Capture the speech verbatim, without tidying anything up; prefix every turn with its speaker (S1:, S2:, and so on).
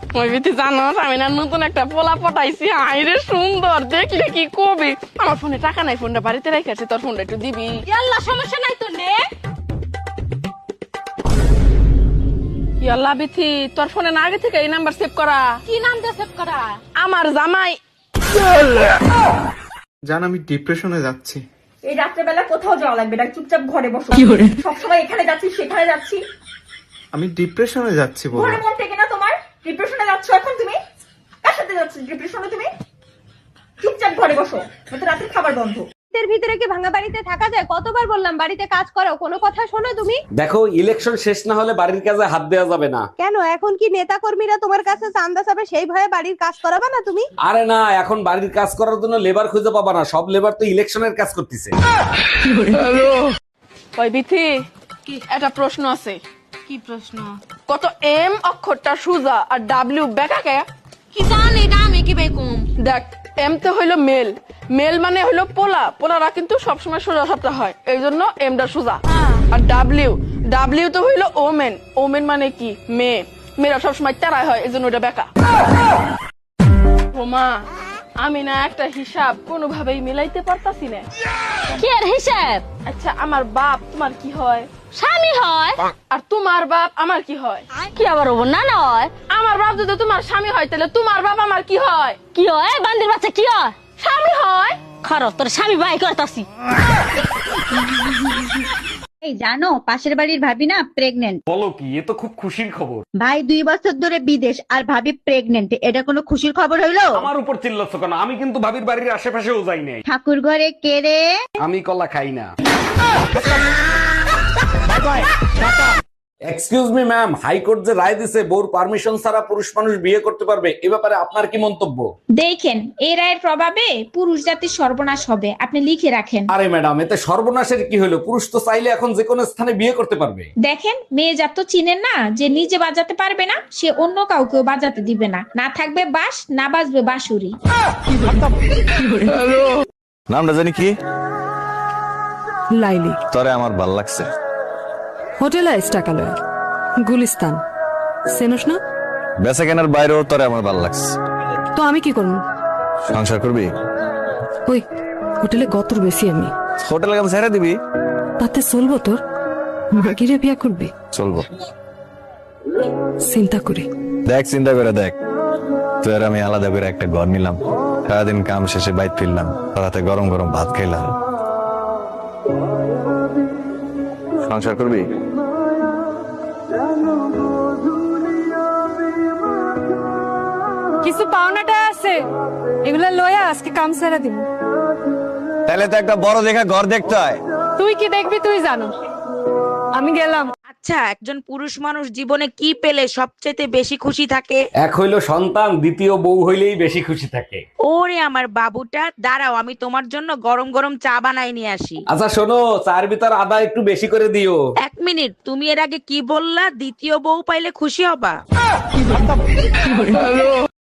S1: ওই বিতি জানোস আমি না নতুন একটা পোলা পটাইছি, আইরে সুন্দর, দেখলে কি কবি। আমার ফোনে টাকা নাই, ফোনটা বাড়িতে রেখেছি, তোর ফোনটা একটু দিবি?
S2: আল্লাহ, সমস্যা নাই তো, নে।
S1: ইয়াল্লা বিথি, তোর ফোনে না আগে থেকে এই নাম্বার সেভ করা?
S2: কি নাম দিয়ে সেভ করা?
S1: আমার জামাই।
S3: জান আমি ডিপ্রেশনে যাচ্ছি।
S4: এই রাত্রেবেলা কোথাও যাওয়া লাগবে না, চুপচাপ ঘরে বসো। সবসময় এখানে যাচ্ছি সেখানে যাচ্ছি,
S3: আমি ডিপ্রেশনে যাচ্ছি বলো।
S4: ঘরে মন থেকে না তোমার? ডিপ্রেশনে যাচ্ছ এখন তুমি? কার সাথে যাচ্ছ ডিপ্রেশনে তুমি? চুপচাপ ঘরে বসো, নয়তো রাতের খাবার বন্ধ।
S2: এর ভিতরে কি ভাঙা বাড়িতে থাকা যায়? কতবার বললাম বাড়িতে কাজ করো, কোনো কথা শোনো তুমি?
S5: দেখো, ইলেকশন শেষ না হলে বাড়ির কাজে হাত দেওয়া যাবে না।
S2: কেন, এখন কি নেতা কর্মীরা তোমার কাছে চান্দা চাবে, সেই ভয়ে বাড়ির কাজ করাবে না তুমি?
S5: আরে না, এখন বাড়ির কাজ করার জন্য লেবার খুঁজে পাবা না, সব লেবার তো ইলেকশনের কাজ করতেছে।
S1: ওই বিথি, একটা প্রশ্ন আছে।
S2: কি প্রশ্ন?
S1: কত এম অক্ষরটা সোজা আর ডাব্লিউ বেকাকে?
S2: কি জানি, এটা আমি কি বেকুম?
S1: দেখ, এম তো হইলো মেল, মেল মানে হইলো পোলা, পোলারা কিন্তু সবসময় সোজা সাপটা হয়, এই জন্য এমটা সোজা। আর ডাব্লিউ, ডাব্লিউ তো হইলো ওমেন, ওমেন মানে কি মেয়ে, মেয়েরা সবসময় তেরাই হয়, এই জন্য ওটা বেকা। ওমা, আমি না একটা হিসাব কোনোভাবেই মিলাইতে পারতাছি না।
S2: কি এর হিসাব?
S1: আচ্ছা, আমার বাপ তোমার কি হয়?
S2: স্বামী হয়।
S1: আর তোমার বাপ আমার কি হয়?
S2: কি আবার হবো না? নয়,
S1: আমার বাপ যদি তোমার স্বামী হয়, তাহলে তোমার বাপ আমার কি হয়?
S2: কি হয়? বান্দির বাচ্চা কি হয়?
S1: স্বামী হয়।
S2: খারাপ, তোর স্বামী বাই করতাছি।
S6: এই জানো, পাশের বাড়ির ভাবি না প্রেগনেন্ট।
S5: বলো কি, এ তো খুব খুশির খবর।
S6: ভাই দুই বছর ধরে বিদেশ আর ভাবি প্রেগনেন্ট, এটা কোনো খুশির খবর হইলো?
S5: আমার উপর চিল্লাচ্ছ কেন? আমি কিন্তু ভাবির বাড়ির আশেপাশেও যাই নাই।
S6: ঠাকুর ঘরে কে রে?
S5: আমি কলা খাই না। এক্সকিউজ মি ম্যাম, হাইকোর্ট যে রায় দিছে বউর পারমিশন ছাড়া পুরুষ মানুষ বিয়ে করতে পারবে, এ ব্যাপারে আপনার কি মন্তব্য?
S7: দেখেন, এই রায়ের প্রভাবে পুরুষ জাতির সর্বনাশ হবে, আপনি লিখে রাখেন।
S5: আরে ম্যাডাম, এতে সর্বনাশের কি হলো? পুরুষ তো চাইলে এখন যে কোনো স্থানে বিয়ে করতে পারবে।
S7: দেখেন, মেয়ে জাত তো চিনেন না, যে নিজে বাজাতে পারবে না সে অন্য কাউকেও বাজাতে দিবে না। না থাকবে বাঁশ, না বাজবে বাঁশুরি।
S8: নামটা জানি কি?
S9: লাইলি।
S8: তরে আমার ভাল লাগছে।
S9: হোটেল আইস টাকালয়, গুলিস্তান, চেনস না?
S8: বেচা কেনার বাইরেও তরে আমার ভাল লাগছে।
S9: তো আমি কি করবো?
S8: সংসার করবি?
S9: ওই হোটেলে গতর বেশি আমি।
S8: হোটেলে কাম ছেড়ে দিবি?
S9: তাতে চলবো তোর? মাগিরে বিয়া করবি?
S8: চলবো।
S9: চিন্তা করে
S8: দেখ, চিন্তা করে দেখ, তুই আর আমি আলাদা করে একটা ঘর নিলাম, সারাদিন কাম শেষে বাইর ফিরলাম, রাতে গরম গরম ভাত খাইলাম। সংসার করবি?
S9: কিছু পাওনাটা আছে, এগুলা লয়া আজকে কাম সেরা দিব।
S8: তাহলে তো একটা বড় দেখা ঘর দেখতে হয়।
S9: তুই কি দেখবি তুই জানো, আমি গেলাম।
S10: আচ্ছা, একজন পুরুষ মানুষ জীবনে কি পেলে সবচেয়ে বেশি খুশি থাকে?
S5: এক হইলো সন্তান, দ্বিতীয় বউ হইলেই বেশি খুশি থাকে।
S10: ওরে আমার বাবুটা, দাঁড়াও আমি তোমার জন্য গরম গরম চা বানাই নিয়ে আসি।
S5: আচ্ছা শোনো, চার ভিতর আদা একটু বেশি করে দিও।
S10: এক মিনিট, তুমি এর আগে কি বললা? দ্বিতীয় বউ পাইলে খুশি হবা?